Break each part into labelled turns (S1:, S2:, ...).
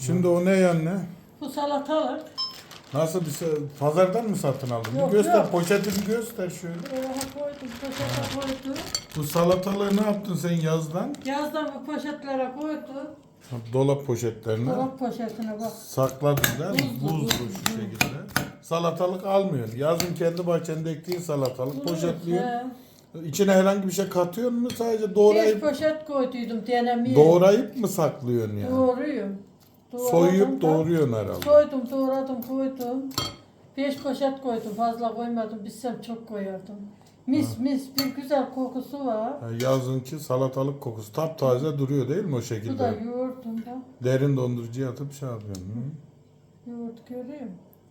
S1: Şimdi o ne anne?
S2: Bu salatalık.
S1: Nasıl pazardan mı satın aldın?
S2: Yok,
S1: Bir göster,
S2: yok.
S1: poşeti bir göster şöyle.
S2: Koydum, poşete koydum.
S1: Bu salatalığı ne yaptın sen yazdan?
S2: Yazdan bu poşetlere koydum.
S1: Dolap poşetlerine.
S2: Dolap poşetine bak.
S1: Sakladın değil mi?
S2: Buzlu,
S1: Buzlu şu şekilde. Salatalık almıyorsun. Yazın kendi bahçende ektiğin salatalık poşetliyorsun. İçine herhangi bir şey katıyor mu? Sadece
S2: 5
S1: doğrayıp
S2: poşet koyduydum denemeye.
S1: doğrayıp mı saklıyorsun yani?
S2: Doğruyum.
S1: Soyup doğruyorsun herhalde.
S2: Soydum, doğradım, koydum. 5 poşet koydum, fazla koymadım. Bilsem çok koyardım. Mis bir güzel kokusu var.
S1: Yani yazınki salatalık kokusu taptaze duruyor değil mi o
S2: Bu da
S1: şekilde?
S2: yoğurtum da.
S1: Derin dondurucuya atıp şey yapıyorsun. Hı?
S2: Yoğurt görüyor musun?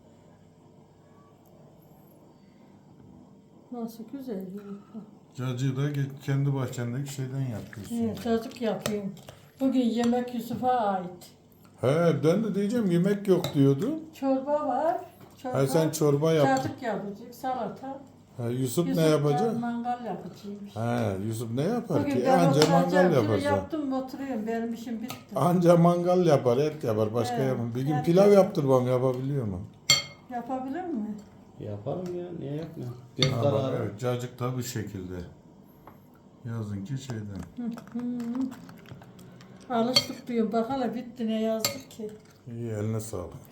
S2: Nasıl güzel yoğurt.
S1: Cacığı da kendi bahçendeki şeyden yapıyorsun.
S2: Evet, çocuk yapıyorum. Bugün yemek Yusuf'a ait.
S1: He ben de diyeceğim yemek yok diyordu.
S2: Çorba var. Çorba.
S1: He sen çorba yaptın.
S2: Çocuk yapacak, salata.
S1: He, Yusuf ne
S2: Yusuf da
S1: yapacak?
S2: mangal yapacakmış.
S1: He Yusuf ne yapar
S2: Bugün
S1: ki?
S2: ben
S1: Anca mangal
S2: oturacağım. Şunu
S1: yapar.
S2: yaptım oturuyorum. Benim işim bitti.
S1: Anca mangal yapar, et yapar. Başka
S2: He,
S1: yapar. Bir gün
S2: et
S1: pilav
S2: yapar.
S1: yaptır bana yapabiliyor mu?
S2: Yapabilir mi?
S3: Yaparım ya, niye yapmıyor? Göz
S1: Ha, bak,
S3: kararı.
S1: evet cacık da bu şekilde. Yazınki şeyden.
S2: Alıştık diyorum. Bak hala bitti ne yazdık ki.
S1: İyi eline sağlık.